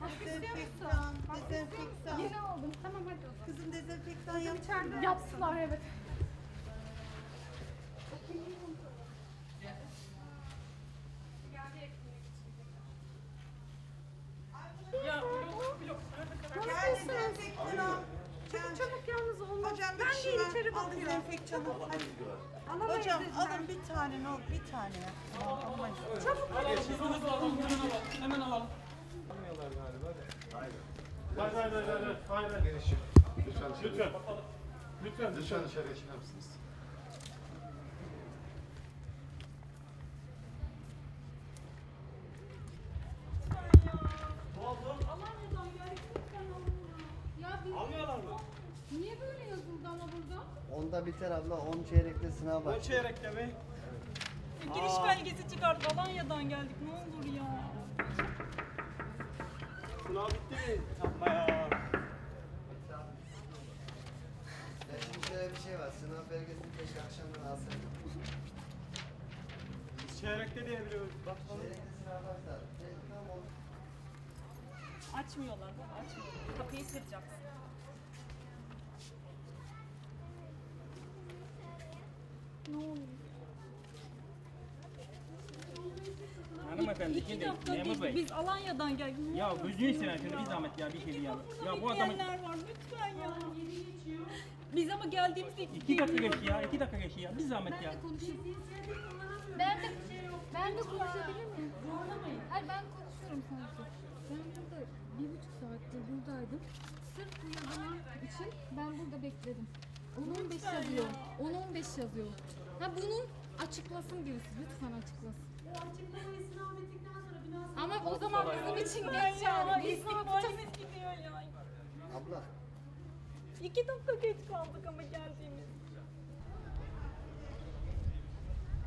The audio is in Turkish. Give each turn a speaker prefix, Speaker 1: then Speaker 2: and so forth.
Speaker 1: Dezenfektan, dezenfektan.
Speaker 2: Yeni aldım. Tamam hadi o zaman.
Speaker 1: Kızım dezenfektan yapacağım.
Speaker 2: Yaptılar evet.
Speaker 3: Ya blok.
Speaker 1: Gel dezenfektan al.
Speaker 2: Çabuk çabuk yalnız olmaz.
Speaker 1: Hocam
Speaker 2: Ben
Speaker 1: bir şey
Speaker 2: değil
Speaker 1: ver.
Speaker 2: içeri
Speaker 1: Al
Speaker 2: bakıyorum.
Speaker 1: dezenfektanı. Hadi.
Speaker 2: Alamayız
Speaker 1: Hocam
Speaker 2: dediler.
Speaker 1: alın bir tane ne olur bir tane ya. Almayız.
Speaker 2: Çabuk.
Speaker 3: Hızlı alalım. Hemen alalım.
Speaker 4: Hayır. Geniş. Lütfen dışarı.
Speaker 5: Lütfen.
Speaker 4: Lütfen dışarıya çıkar mısınız?
Speaker 3: Almıyorlar mı?
Speaker 2: Niye böyle yazıldı ama burada?
Speaker 5: Onda biter abla, 10 çeyrekte sınav
Speaker 3: O
Speaker 5: başlıyor.
Speaker 3: çeyrekte mi? Giriş belgesi çıkart. Alanya'dan geldik. Ne olur ya. Sınav bitti mi? Yapma ya.
Speaker 5: Ya şimdi şöyle bir şey var, sınav belgesini keşke akşamdan alsaydım.
Speaker 3: Biz çeyrekte diye biliyoruz. Bakalım.
Speaker 5: Çeyrekte sınav başlar. Tam oldu.
Speaker 3: Açmıyorlar. Açmıyorlar. Kapıyı kıracaksın.
Speaker 2: Ne oluyor?
Speaker 6: Hanımefendi
Speaker 3: İki
Speaker 6: şimdi
Speaker 3: dakika
Speaker 6: memur bey.
Speaker 3: biz Alanya'dan geldik. Ne
Speaker 6: Ya
Speaker 3: olur
Speaker 6: gözünü seveyim şöyle bir zahmet ya bir kere ya. Ya bu adamın
Speaker 3: bekleyenler var lütfen ya. Biz ama geldiğimizde
Speaker 6: 2 dakika geçti ya 2 dakika geçti ya bir zahmet ya.
Speaker 2: Ben de konuşabilir miyim? Hayır ben konuşuyorum sadece. Ben burada 1,5 saattir buradaydım. Sırf bu yazılan için ben burada bekledim. 10-15 yazıyor. 10-15 yazıyor. Ha bunu açıklasın birisi. Lütfen açıklasın. Ama o zaman bizim için geç yani. Biz ne yapacağız?
Speaker 3: gidiyor ya.
Speaker 5: Abla,
Speaker 3: 2 dakika geç kaldık ama geldiğimiz.